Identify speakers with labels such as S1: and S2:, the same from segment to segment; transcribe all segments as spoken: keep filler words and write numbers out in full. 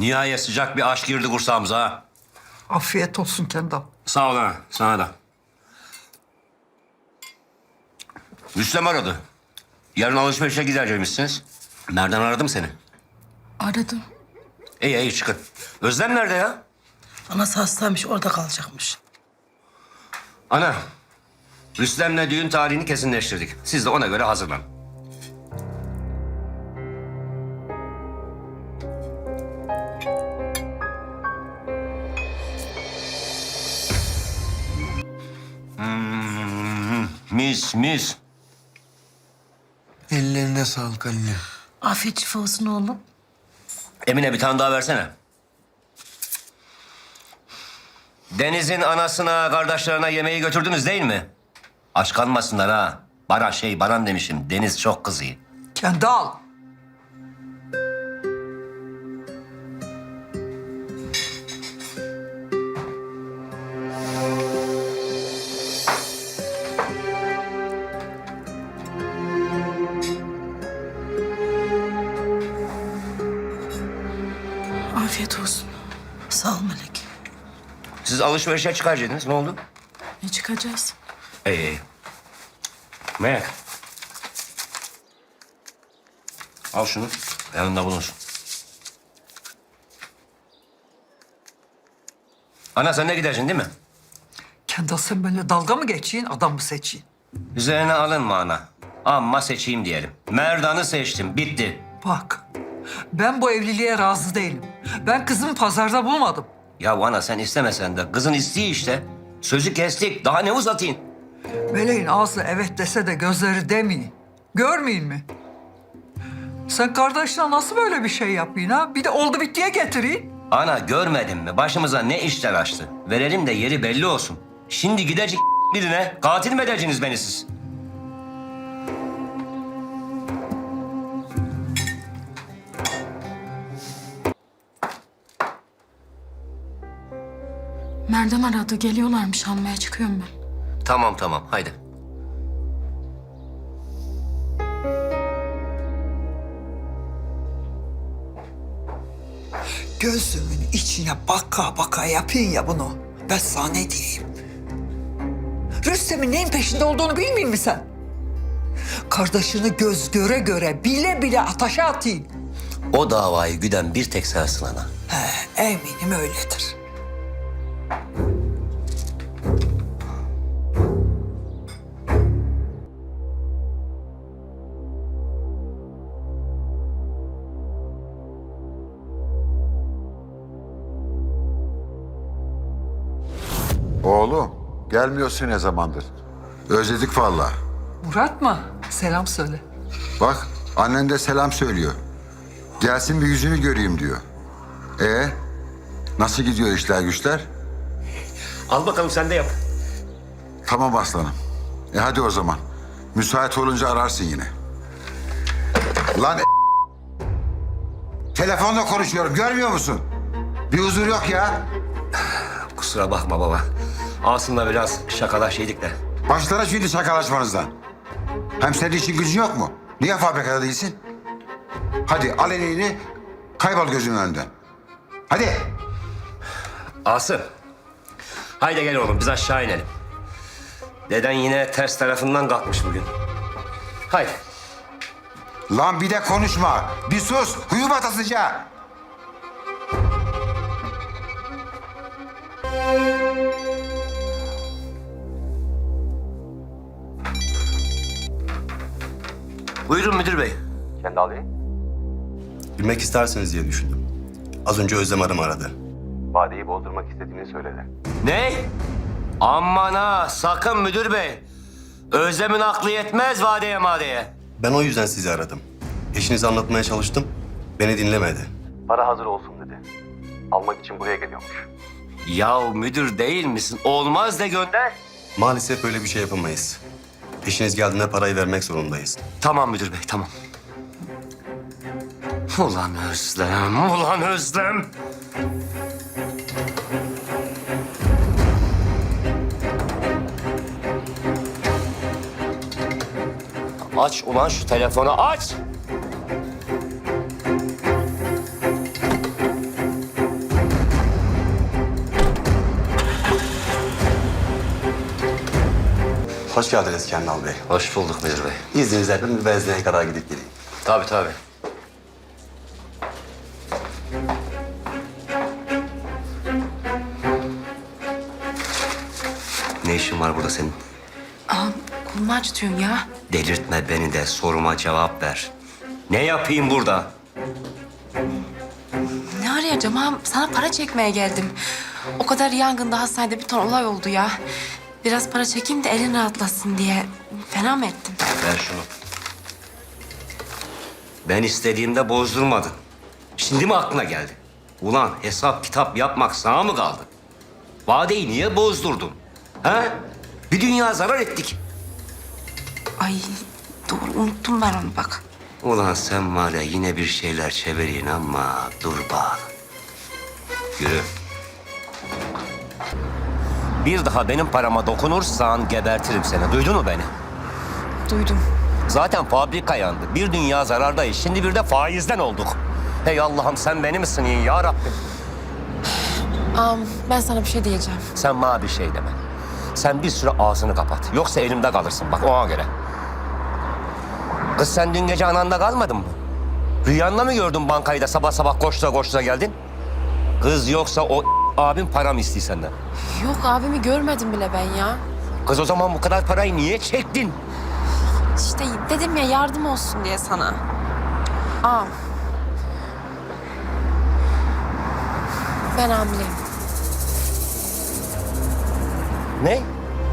S1: Nihayet sıcak bir aşk girdi kursağımıza ha.
S2: Afiyet olsun Kendal.
S1: Sağ ol ha, sana da. Rüstem aradı. Yarın alışverişe gideceğimizsiniz. Nereden aradım seni?
S3: Aradım.
S1: İyi iyi çıkın. Özlem nerede ya?
S3: Anası hastaymış, orada kalacakmış.
S1: Ana, Rüstem'le düğün tarihini kesinleştirdik. Siz de ona göre hazırlanın. Hmm, mis mis.
S4: Ellerine sağlık anne.
S3: Afiyet şifa olsun oğlum.
S1: Emine bir tane daha versene. Deniz'in anasına, kardeşlerine yemeği götürdünüz değil mi? Aç kalmasınlar ha. Bana şey, Baran demişim. Deniz çok kızıyor.
S2: Kendal.
S3: Afiyet olsun. Sağ ol Melek.
S1: Siz alışverişe çıkaracaktınız. Ne oldu?
S3: Ne çıkacağız?
S1: İyi iyi. Melek. Al şunu. Yanında bulunsun. Ana sen de gidersin değil mi?
S2: Kendal sen benimle dalga mı geçeyim, adam mı seçeyim?
S1: Üzerine alınma ana. Amma seçeyim diyelim. Merdan'ı seçtim. Bitti.
S2: Bak, ben bu evliliğe razı değilim. Ben kızımı pazarda bulmadım.
S1: Ya ana sen istemesen de kızın isteği işte. Sözü kestik. Daha ne uzatayım?
S2: Meleğin ağzı evet dese de gözleri demeyin. Görmeyin mi? Sen kardeşine nasıl böyle bir şey yapayım ha? Bir de oldu bittiye getireyim.
S1: Ana görmedin mi? Başımıza ne işler açtı. Verelim de yeri belli olsun. Şimdi gidecek birine katil mi edeceksiniz beni siz?
S3: Merdem aradı, geliyorlarmış, almaya çıkıyorum ben.
S1: Tamam tamam haydi.
S2: Gözümün içine baka baka yapayım ya bunu. Ben sana ne diyeyim? Rüstem'in neyin peşinde olduğunu bilmiyor musun sen? Kardeşini göz göre göre bile bile ataşa atayım.
S1: O davayı güden bir tek sensin ana.
S2: He, eminim öyledir.
S5: Oğlum, gelmiyorsun ne zamandır? Özledik vallahi.
S2: Murat mı? Selam söyle.
S5: Bak, annen de selam söylüyor. Gelsin bir yüzünü göreyim diyor. E nasıl gidiyor işler güçler?
S1: Al bakalım sen de yap.
S5: Tamam aslanım. E hadi o zaman. Müsait olunca ararsın yine. Lan e- telefonla konuşuyorum, görmüyor musun? Bir huzur yok ya.
S1: Kusura bakma baba. Asım'la biraz şakalaşıyorduk da.
S5: Başlara şimdi şakalaşmanızdan. Hem senin için gücün yok mu? Niye fabrikada değilsin? Hadi al elini, kaybol gözümün önünden. Hadi.
S1: Asım. Haydi gel oğlum biz aşağı inelim. Deden yine ters tarafından kalkmış bugün. Haydi.
S5: Lan bir de konuşma. Bir sus. Huyu batasıca.
S1: Buyurun müdür bey.
S6: Kendal Bey? Bilmek istersiniz diye düşündüm. Az önce Özlem Hanım aradı. Vadeyi bozdurmak istediğini söyledi.
S1: Ne? Aman ha sakın müdür bey. Özlem'in aklı yetmez vadeye madeye.
S6: Ben o yüzden sizi aradım. Eşinize anlatmaya çalıştım. Beni dinlemedi. Para hazır olsun dedi. Almak için buraya geliyormuş.
S1: Yahu müdür değil misin? Olmaz de gönder.
S6: Maalesef böyle bir şey yapamayız. Eşiniz geldiğinde parayı vermek zorundayız.
S1: Tamam müdür bey tamam. Ulan Özlem, ulan Özlem. Aç ulan şu telefonu aç.
S6: Hoş geldiniz Kendal Bey.
S1: Hoş bulduk müdür bey.
S6: İzninizle bir benzinliğe kadar gidip geleyim.
S1: Tabii tabii. Ne işin var burada senin?
S4: Ağam kolumu acıtıyorsun ya.
S1: Delirtme beni de, soruma cevap ver. Ne yapayım burada?
S4: Ne arayacağım ağam? Sana para çekmeye geldim. O kadar yangında hastanede bir ton olay oldu ya. Biraz para çekeyim de elin rahatlasın diye. Fena mı ettim?
S1: Ver şunu. Ben istediğimde bozdurmadın. Şimdi mi aklına geldi? Ulan hesap kitap yapmak sana mı kaldı? Vadeyi niye bozdurdun? Ha? Bir dünya zarar ettik.
S4: Ay doğru unuttum ben onu bak.
S1: Ulan sen var ya yine bir şeyler çeviriyin ama dur bak. Yürü. Bir daha benim parama dokunursan gebertirim seni. Duydun mu beni?
S4: Duydum.
S1: Zaten fabrika yandı. Bir dünya zarardayız. Şimdi bir de faizden olduk. Hey Allah'ım sen beni misin iyi ya Rabbim?
S4: Ağam ben sana bir şey diyeceğim.
S1: Sen bana bir şey deme. Sen bir süre ağzını kapat. Yoksa elimde kalırsın bak ona göre. Kız sen dün gece ananda kalmadın mı? Rüyanda mı gördün bankayı da sabah sabah koştura koştura geldin? Kız yoksa o abin para mı istiyor senden?
S4: Yok abimi görmedim bile ben ya.
S1: Kız o zaman bu kadar parayı niye çektin?
S4: İşte dedim ya yardım olsun diye sana. Ağam. Ben hamileyim.
S1: Ne?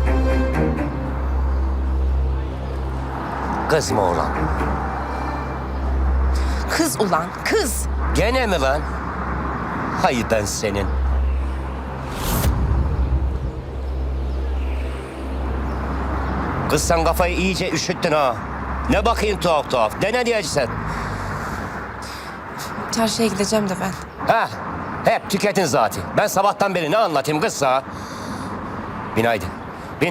S1: Kız mı oğlan?
S4: Kız ulan kız.
S1: Gene mi lan? Hay ben senin. Kız sen kafayı iyice üşüttün ha. Ne bakayım tuhaf tuhaf. De ne diyeceksin?
S4: Çarşıya gideceğim de ben.
S1: Ha, hep tüketin zaten. Ben sabahtan beri ne anlatayım kızsa? Bin haydi, bin.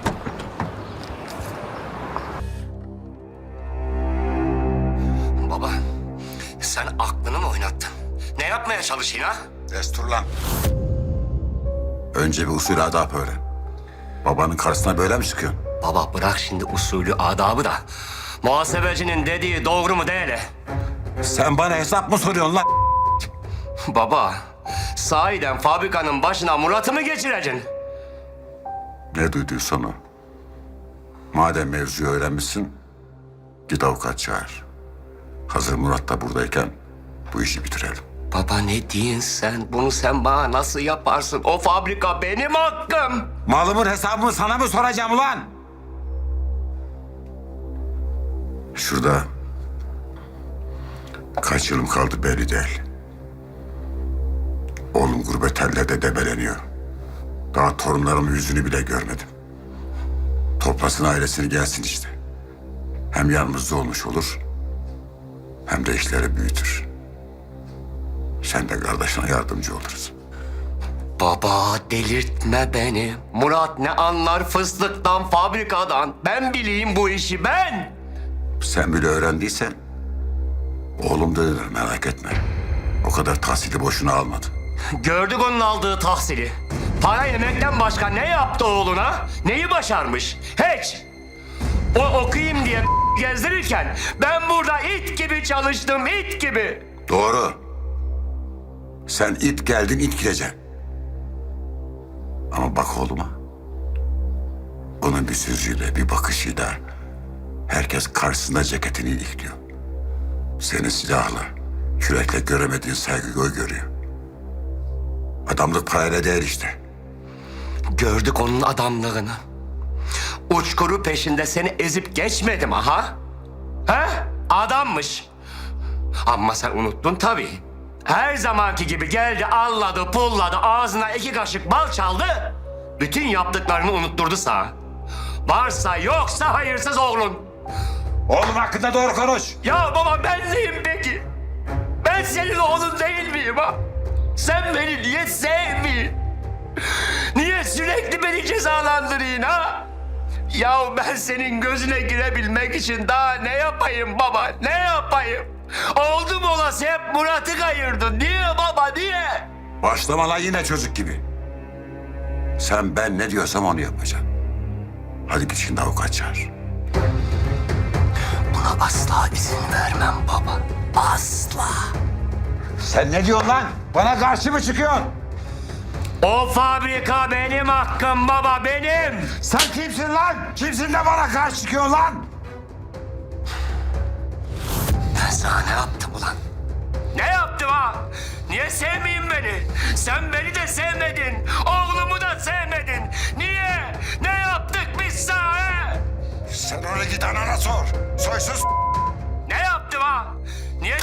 S1: Baba, sen aklını mı oynattın? Ne yapmaya çalışıyorsun ha?
S5: Destur lan. Önce bir usul adap öğren. Babanın karşısına böyle mi çıkıyorsun?
S1: Baba bırak şimdi usulü, adabı da. Muhasebecinin dediği doğru mu değil?
S5: Sen bana hesap mı soruyorsun lan?
S1: Baba, sahiden fabrikanın başına Murat'ı mı geçireceksin?
S5: Ne duyduysan o. Madem mevzuyu öğrenmişsin, git avukat çağır. Hazır Murat da buradayken bu işi bitirelim.
S1: Baba ne diyorsun sen? Bunu sen bana nasıl yaparsın? O fabrika benim hakkım.
S5: Malımın hesabını sana mı soracağım ulan? Şurada kaç yılım kaldı belli değil. Oğlum gurbet ellerde debeleniyor. Daha torunlarımın yüzünü bile görmedim. Toplasın ailesini gelsin işte. Hem yanımızda olmuş olur, hem de işleri büyütür. Sen de kardeşine yardımcı oluruz.
S1: Baba delirtme beni. Murat ne anlar fıstıktan, fabrikadan. Ben bileyim bu işi ben.
S5: Sen bile öğrendiysen, oğlum dönür merak etme. O kadar tahsili boşuna almadı.
S1: Gördük onun aldığı tahsili. Para yemekten başka ne yaptı oğluna? Neyi başarmış? Hiç. O okuyayım diye gezdirirken ben burada it gibi çalıştım, it gibi.
S5: Doğru. Sen it geldin, it gideceksin. Ama bak oğluma. Onun bir sözüyle, bir bakışıyla herkes karşısında ceketini ilikliyor. Seni silahla, kürekle göremediğin saygıyı o görüyor. Adamlık parayla değil işte.
S1: Gördük onun adamlığını. Uçkuru peşinde seni ezip geçmedim aha. Ha? Adammış. Ama sen unuttun tabii. Her zamanki gibi geldi, alladı, pulladı, ağzına iki kaşık bal çaldı. Bütün yaptıklarını unutturdu sana. Varsa yoksa hayırsız oğlun.
S5: Oğlum hakkında doğru konuş.
S1: Ya baba ben neyim peki? Ben senin oğlun değil miyim ha? Sen beni niye sevmiyorsun? Niye sürekli beni cezalandırıyorsun ha? Ya ben senin gözüne girebilmek için daha ne yapayım baba? Ne yapayım? Oldu mu olası hep Murat'ı kayırdın. Niye baba niye?
S5: Başlama lan yine çocuk gibi. Sen ben ne diyorsam onu yapacaksın. Hadi git şimdi avukat çağır.
S1: Buna asla izin vermem baba. Asla.
S7: Sen ne diyorsun lan? Bana karşı mı çıkıyorsun?
S1: O fabrika benim hakkım baba, benim.
S7: Sen kimsin lan? Kimsin de bana karşı çıkıyorsun lan?
S1: Ben sana ne yaptım ulan? Ne yaptım ha? Niye sevmeyeyim beni? Sen beni de sevmedin. Oğlumu da sevmedin. Niye? Ne yaptık biz sana he?
S7: Sen öyle git anana sor. Soysuz.
S1: Ne yaptım ha? Niye?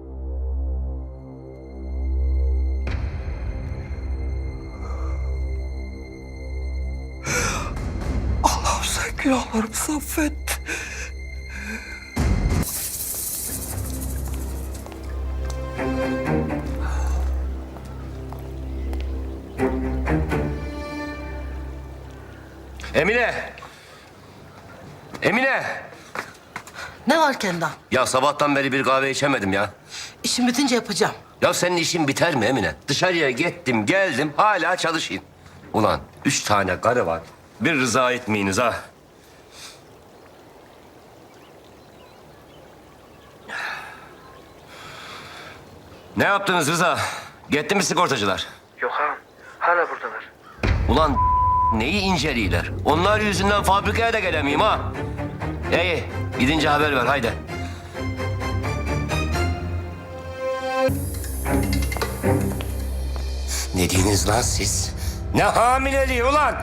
S2: Allah'ım sen günahlarımı affet.
S1: Emine! Emine!
S8: Ne var Kendal?
S1: Ya sabahtan beri bir kahve içemedim ya.
S8: İşim bitince yapacağım.
S1: Ya senin işin biter mi Emine? Dışarıya gittim geldim hala çalışayım. Ulan üç tane karı var. Bir rıza etmeyiniz ha. Ne yaptınız Rıza? Gitti mi sigortacılar?
S9: Yok ağam. Hala buradalar.
S1: Ulan neyi inceliyorlar? Onlar yüzünden fabrikaya da gelemeyeyim ha. İyi, gidince haber ver haydi. Ne diyorsunuz lan siz? Ne hamileliği ulan?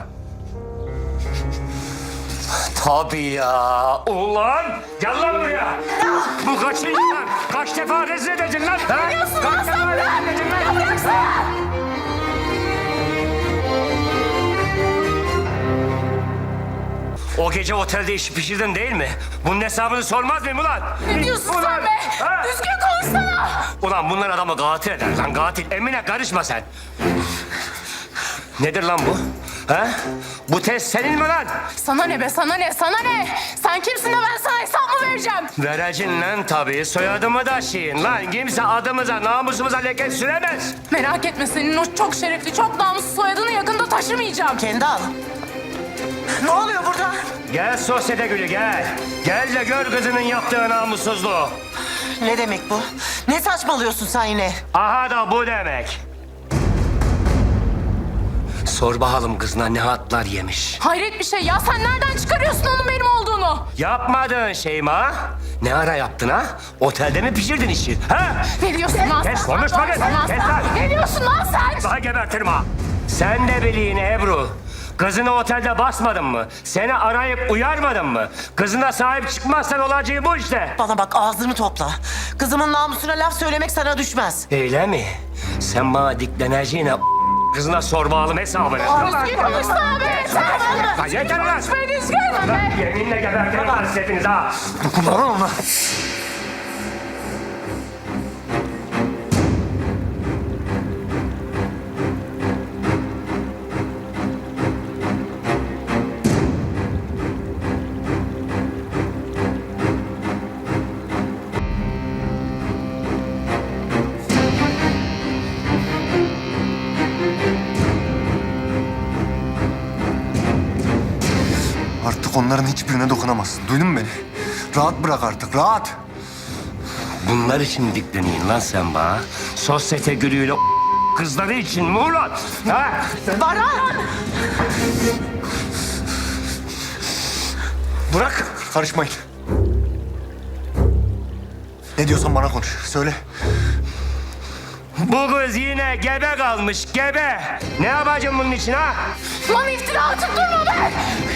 S1: Tabii ya. Ulan gel lan buraya. Bu kaçıncı lan? Kaç defa rezil edeceksin lan? Ha? Kaç defa rezil edeceksin lan? O gece otelde işi pişirdin değil mi? Bunun hesabını sormaz mıyım ulan?
S3: Ne diyorsun
S1: Ulan,
S3: sen be?
S1: ha?
S3: Düzgün konuşsana.
S1: Ulan bunlar adamı katil eder lan katil. Emine karışma sen. Nedir lan bu? Ha? Bu test senin mi lan?
S3: Sana ne be sana ne sana ne? Sen kimsin de ben sana hesap mı vereceğim?
S1: Vereceksin lan tabii. Soyadımı da şeyin lan. Kimse adımıza, namusumuza leke süremez.
S3: Merak etme senin o çok şerefli, çok namuslu soyadını yakında taşımayacağım.
S8: Kendal. Ne oluyor burada?
S1: Gel sosyete gülü gel. Gel de gör kızının yaptığı namussuzluğu.
S8: Ne demek bu? Ne saçmalıyorsun sen yine?
S1: Aha da bu demek. Sor bakalım kızına ne hatlar yemiş.
S3: Hayret bir şey ya sen nereden çıkarıyorsun onun benim olduğunu?
S1: Yapmadığın şey mi ha? Ne ara yaptın ha? Otelde mi pişirdin işi? Ha?
S3: Ne diyorsun lan sen?
S1: Kes, konuşma
S3: Ne
S1: kes,
S3: diyorsun lan
S1: kes
S3: sen?
S1: lan.
S3: Ne diyorsun lan sen?
S1: Daha gebertirim ha. Sen de bilin Ebru. Kızını otelde basmadın mı? Seni arayıp uyarmadın mı? Kızına sahip çıkmazsan olacağı bu işte.
S8: Bana bak ağzını topla. Kızımın namusuna laf söylemek sana düşmez.
S1: Öyle mi? Sen bana dikleneceğine kızına sor bakalım hesabını.
S3: Düzgün konuşsana be yeter.
S1: Lan yeter lan!
S3: Konuşmayı düzgün be.
S1: Yeminle gebertirim lan siz hepiniz ha. Dokunma ona.
S10: Artık onların hiçbirine dokunamazsın. Duydun mu beni? Rahat bırak artık, rahat.
S1: Bunlar için dikleniyin lan sen bana. Sosyete gülüyle kızları için mi ulan? Ha?
S8: Baran!
S10: Bırak, karışmayın. Ne diyorsan bana konuş, söyle.
S1: Bu kız yine gebe kalmış, gebe. Ne yapacağım bunun için ha?
S3: Lan iftira atıp durma be.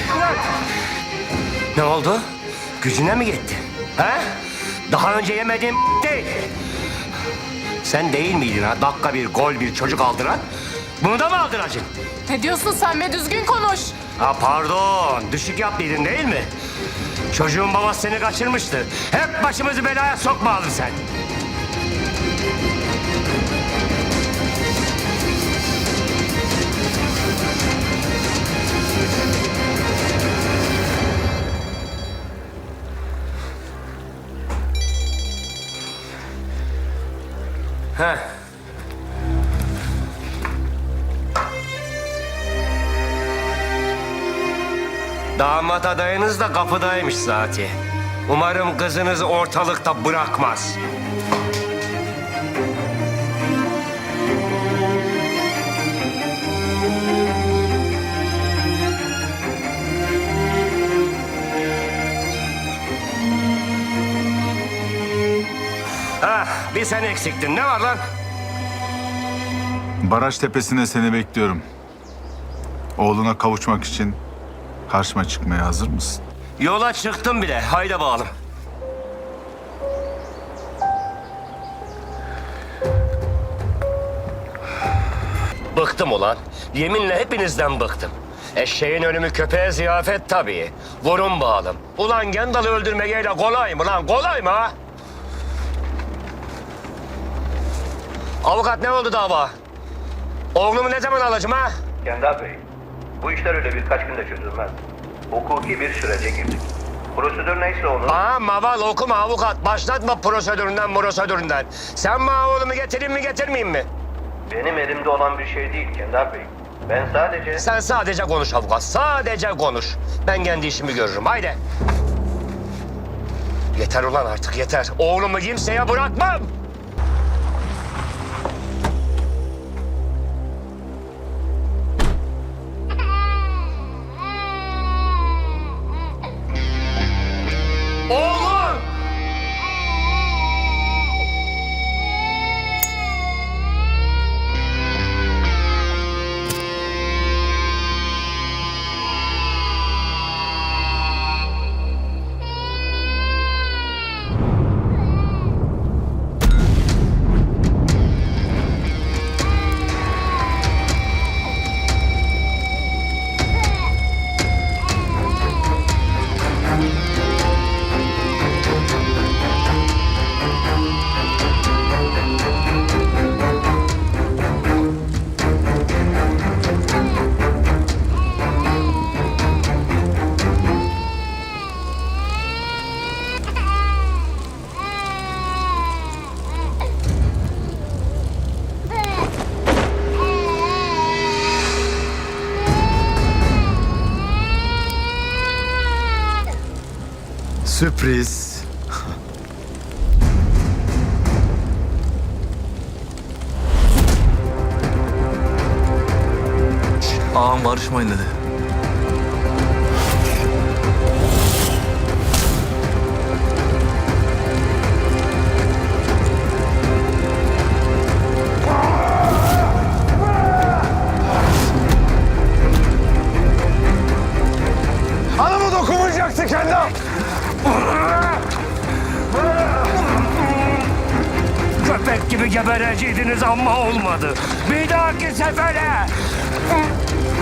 S1: Ne oldu? Gücüne mi gitti? Ha? Daha önce yemediğim değil. Sen değil miydin ha? Dakika bir, gol bir çocuk aldıran. Bunu da mı aldıracaksın?
S3: Ne diyorsun sen be düzgün konuş.
S1: Ha pardon, düşük yaptıydın değil mi? Çocuğun babası seni kaçırmıştı. Hep başımızı belaya sokmayalım sen. Heh. Damat adayınız da kapıdaymış zaten. Umarım kızınızı ortalıkta bırakmaz. Ah, bir sen eksiktin. Ne var lan?
S11: Baraj tepesine seni bekliyorum. Oğluna kavuşmak için karşıma çıkmaya hazır mısın?
S1: Yola çıktım bile. Haydi bakalım. Bıktım ulan. Yeminle hepinizden bıktım. Eşeğin ölümü köpeğe ziyafet tabii. Vurun bağlım. Ulan Gendal'ı öldürmeyle kolay mı lan? Kolay mı ha? Avukat ne oldu dava? Oğlumu ne zaman alacağım ha?
S9: Kendal Bey, bu işler öyle birkaç günde çözülmez. Hukuki bir sürece girdik. Prosedür neyse onu...
S1: Aa maval okuma avukat. Başlatma prosedüründen prosedüründen. Sen bana oğlumu getireyim mi getirmeyeyim mi?
S9: Benim elimde olan bir şey değil Kendal Bey. Ben sadece...
S1: Sen sadece konuş avukat. Sadece konuş. Ben kendi işimi görürüm. Haydi. Yeter ulan artık yeter. Oğlumu kimseye bırakmam. Oğlum!
S10: Sürpriz. Ağam barışmayın dedi.
S7: Anamı dokunmayacaktı Kendal.
S1: Köpek gibi gebereceydiniz ama olmadı. Bir dahaki sefere.